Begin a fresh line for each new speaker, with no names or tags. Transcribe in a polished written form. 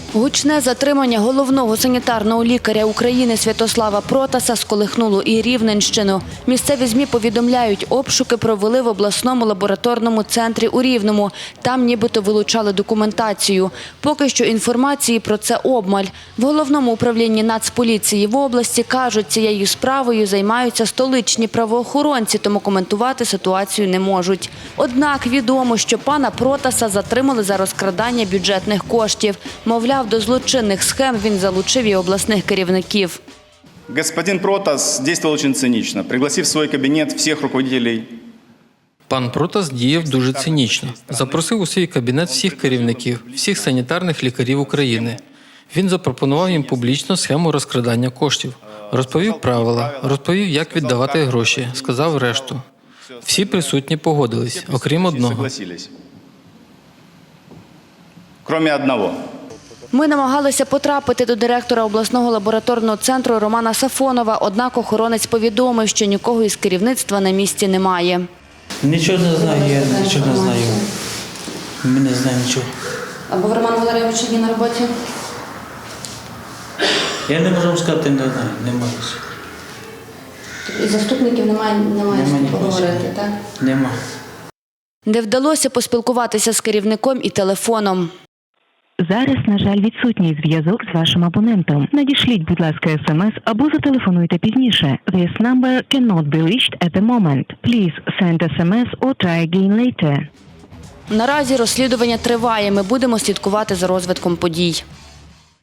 Гучне затримання головного санітарного лікаря України Святослава Протаса сколихнуло і Рівненщину. Місцеві ЗМІ повідомляють, обшуки провели в обласному лабораторному центрі у Рівному. Там нібито вилучали документацію. Поки що інформації про це обмаль. В головному управлінні Нацполіції в області кажуть, цією справою займаються столичні правоохоронці, тому коментувати ситуацію не можуть. Однак відомо, що пана Протаса затримали за розкрадання бюджетних коштів. Мовляв, до злочинних схем він залучив і обласних керівників.
Господин Протас действовал очень цинично, пригласив в свой кабинет всех руководителей.
Пан Протас діяв дуже цинічно. Запросив у свій кабінет всіх керівників, всіх санітарних лікарів України. Він запропонував їм публічно схему розкрадання коштів. Розповів правила, розповів, як віддавати гроші, сказав решту. Всі присутні погодились, окрім одного.
Кроме одного.
Ми намагалися потрапити до директора обласного лабораторного центру Романа Сафонова, однак охоронець повідомив, що нікого із керівництва на місці немає.
Нічого не знаю, я нічого не знаю. Ми не знаємо нічого.
Або в Романа Валерійовича є на роботі?
Я не можу вам сказати, не знаю, немає.
І заступників немає з поговорити, так?
Нема.
Не вдалося поспілкуватися з керівником і телефоном.
Зараз, на жаль, відсутній зв'язок з вашим абонентом. Надішліть, будь ласка, смс або зателефонуйте пізніше. This number cannot be reached at the moment. Please send SMS or try again later.
Наразі розслідування триває. Ми будемо слідкувати за розвитком подій.